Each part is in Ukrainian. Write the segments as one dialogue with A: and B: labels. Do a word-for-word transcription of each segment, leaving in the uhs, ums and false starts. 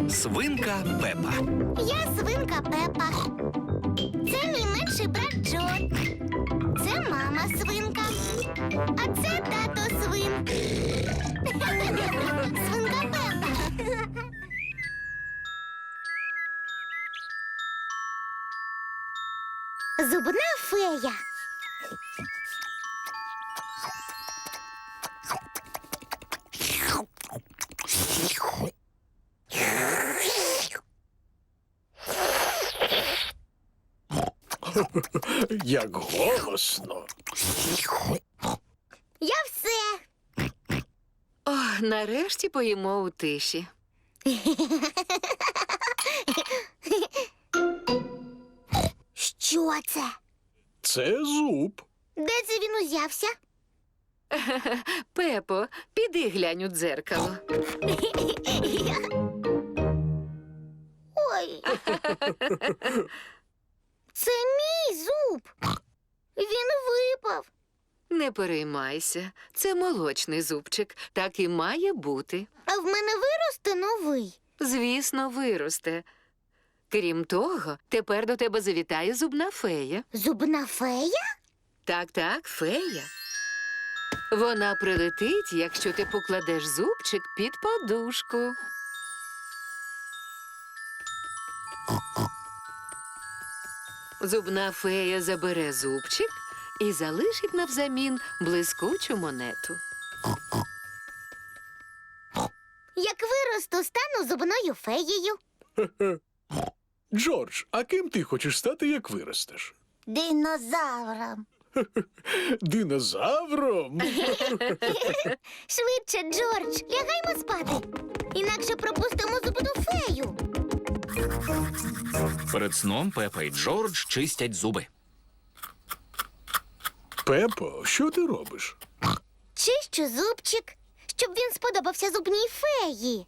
A: Свинка Пепа.
B: Я свинка Пепа. Це мій менший брат Джо. Це мама свинка. А це тато свин. Свинка Пепа. Зубна фея.
C: Як голосно.
B: Я все.
D: О, нарешті поїмо у тиші.
B: Що це?
C: Це зуб.
B: Де це він узявся?
D: Пепо, піди глянь у дзеркало.
B: Ой. Це мій зуб. Він випав.
D: Не переймайся, це молочний зубчик. Так і має бути.
B: А в мене виросте новий.
D: Звісно, виросте. Крім того, тепер до тебе завітає зубна фея.
B: Зубна фея?
D: Так-так, фея. Вона прилетить, якщо ти покладеш зубчик під подушку. Зубна фея забере зубчик і залишить навзамін блискучу монету.
B: Як виросту, стану зубною феєю.
C: Джордж, а ким ти хочеш стати, як виростеш?
B: Динозавром.
C: Динозавром?
B: Швидше, Джордж, лягаймо спати. Інакше пропустимо зубну фею.
A: Перед сном Пепа і Джордж чистять зуби.
C: Пепо, що ти робиш?
B: Чищу зубчик, щоб він сподобався зубній феї.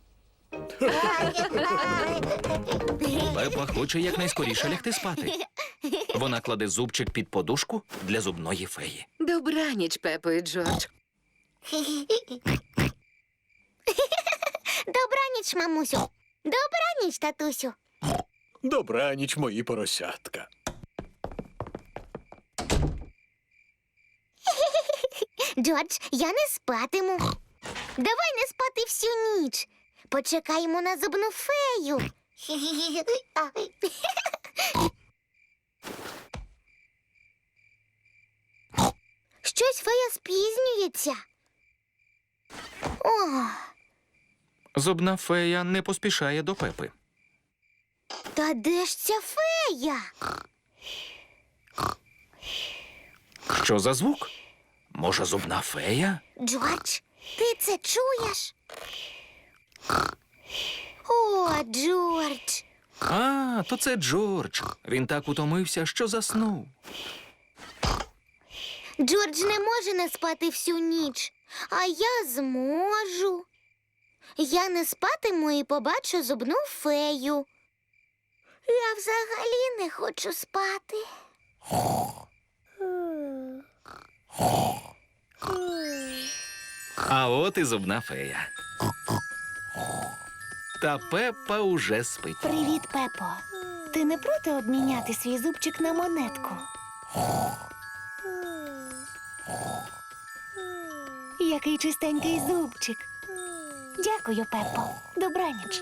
A: Пепа хоче якнайскоріше лягти спати. Вона кладе зубчик під подушку для зубної феї.
D: Добраніч, Пепо і Джордж.
B: Добраніч, мамусю. Добраніч, татусю.
C: Добраніч, мої поросятка.
B: Джордж, я не спатиму. Давай не спати всю ніч. Почекаємо на зубну фею. Щось фея спізнюється. О,
A: Зубна фея не поспішає до Пепи.
B: та де ж ця фея?
A: Що за звук? Може, зубна фея?
B: Джордж, ти це чуєш? О, Джордж.
A: А, то це Джордж. Він так утомився, що заснув.
B: Джордж не може не спати всю ніч, а я зможу. Я не спатиму і побачу зубну фею. Я взагалі не хочу спати.
A: А от і зубна фея. Та Пепа уже спить.
B: Привіт, Пепо. Ти не проти обміняти свій зубчик на монетку? Який чистенький зубчик. Дякую, Пепо. Добраніч.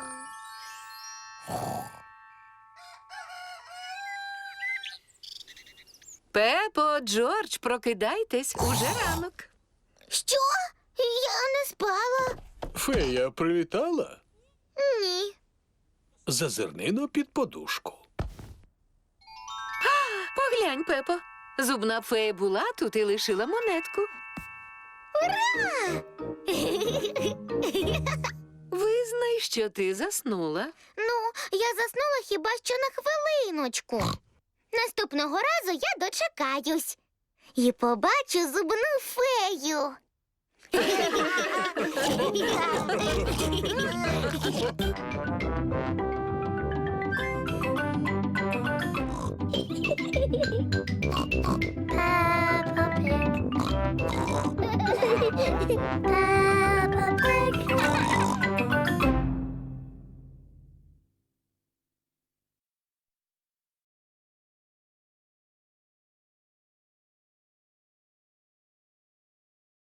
D: Пепо, Джордж, прокидайтесь, уже ранок.
B: Що? Я не спала?
C: Фея прилітала?
B: Ні.
C: Зазирнино під подушку.
D: Поглянь, Пепо. Зубна фея була тут і лишила монетку. Визнай, що ти заснула.
B: Ну, я заснула хіба що на хвилиночку. Наступного разу я дочекаюсь і побачу зубну фею.